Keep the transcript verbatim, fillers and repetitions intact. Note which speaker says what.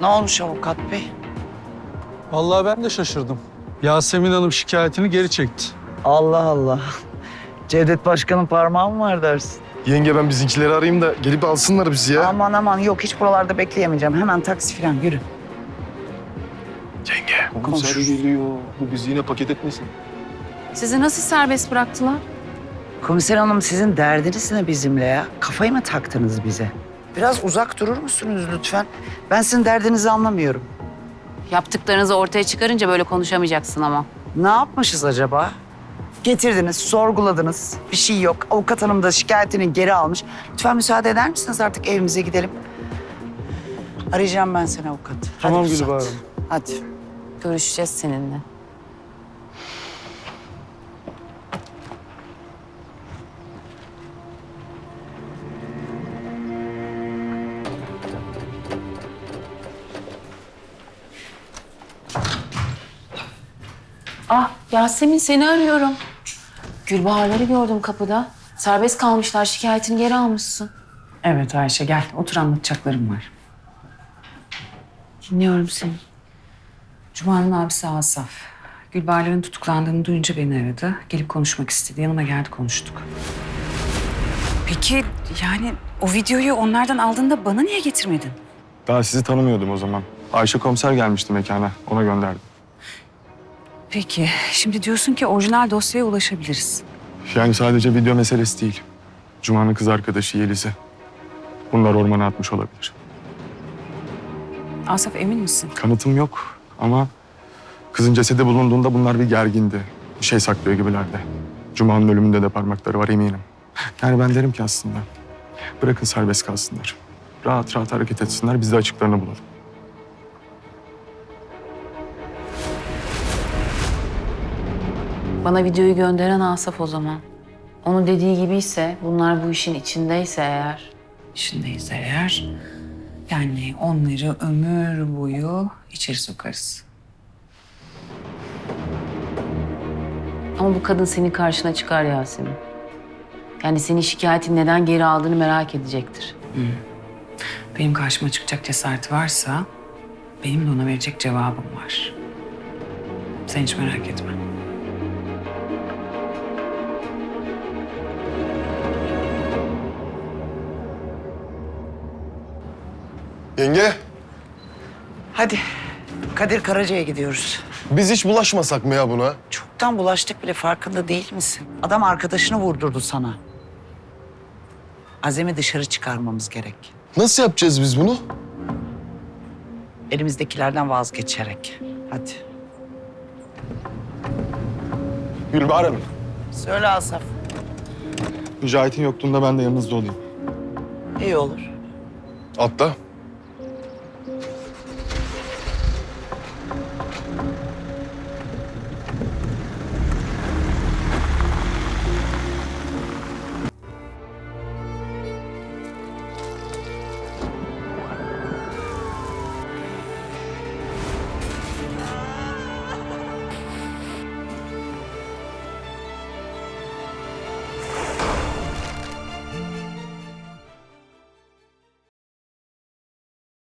Speaker 1: Ne olmuş avukat bey?
Speaker 2: Vallahi ben de şaşırdım. Yasemin Hanım şikayetini geri çekti.
Speaker 1: Allah Allah. Cevdet Başkan'ın parmağı mı var dersin?
Speaker 3: Yenge ben bizimkileri arayayım da gelip alsınlar bizi ya.
Speaker 1: Aman aman yok hiç buralarda bekleyemeyeceğim. Hemen taksi falan yürü.
Speaker 3: Yenge.
Speaker 1: Komiser
Speaker 3: geliyor. Bu bizi yine paket etmesin.
Speaker 4: Sizi nasıl serbest bıraktılar?
Speaker 1: Komiser hanım sizin derdiniz ne bizimle ya? Kafayı mı taktınız bize? Biraz uzak durur musunuz lütfen? Ben sizin derdinizi anlamıyorum.
Speaker 4: Yaptıklarınızı ortaya çıkarınca böyle konuşamayacaksın ama.
Speaker 1: Ne yapmışız acaba? Getirdiniz, sorguladınız. Bir şey yok. Avukat hanım da şikayetini geri almış. Lütfen müsaade eder misiniz artık evimize gidelim? Arayacağım ben seni avukat.
Speaker 2: Tamam
Speaker 1: Hadi
Speaker 2: Gülbahar
Speaker 1: Pusat.
Speaker 2: Hanım.
Speaker 1: Hadi.
Speaker 4: Görüşeceğiz seninle. Ah Yasemin seni arıyorum. Gülbaharları gördüm kapıda. Serbest kalmışlar, şikayetini geri almışsın.
Speaker 5: Evet Ayşe gel otur anlatacaklarım var.
Speaker 4: Dinliyorum seni.
Speaker 5: Cuma'nın abisi Asaf. Gülbahar'ların tutuklandığını duyunca beni aradı. Gelip konuşmak istedi. Yanıma geldi konuştuk. Peki yani o videoyu onlardan aldığında bana niye getirmedin?
Speaker 3: Daha sizi tanımıyordum o zaman. Ayşe komiser gelmişti mekana. Ona gönderdim.
Speaker 5: Peki şimdi diyorsun ki orijinal dosyaya ulaşabiliriz.
Speaker 3: Yani sadece video meselesi değil. Cuma'nın kız arkadaşı Yeliz'i. Bunlar ormana atmış olabilir.
Speaker 5: Asaf emin misin?
Speaker 3: Kanıtım yok ama kızın cesedi bulunduğunda bunlar bir gergindi. Bir şey saklıyor gibilerdi. Cuma'nın ölümünde de parmakları var eminim. Yani ben derim ki aslında bırakın serbest kalsınlar. Rahat rahat hareket etsinler, biz de açıklarını bulalım.
Speaker 4: Bana videoyu gönderen Asaf o zaman. Onun dediği gibiyse, bunlar bu işin içindeyse eğer...
Speaker 5: İşindeyiz eğer. Yani onları ömür boyu içeri sokarız.
Speaker 4: Ama bu kadın senin karşına çıkar Yasemin. Yani senin şikayetin neden geri aldığını merak edecektir.
Speaker 5: Benim karşıma çıkacak cesareti varsa benim de ona verecek cevabım var. Sen hiç merak etme.
Speaker 3: Yenge,
Speaker 1: Hadi. Kadir Karaca'ya gidiyoruz.
Speaker 3: biz hiç bulaşmasak mı ya buna?
Speaker 1: Çoktan bulaştık bile farkında değil misin? Adam arkadaşını vurdurdu sana. Azem'i dışarı çıkarmamız gerek.
Speaker 3: Nasıl yapacağız biz bunu?
Speaker 1: Elimizdekilerden vazgeçerek. Hadi.
Speaker 3: Gülbahar Hanım,
Speaker 1: Söyle Asaf.
Speaker 3: Mücahit'in yokluğunda ben de yanınızda olayım.
Speaker 1: İyi olur.
Speaker 3: Atla.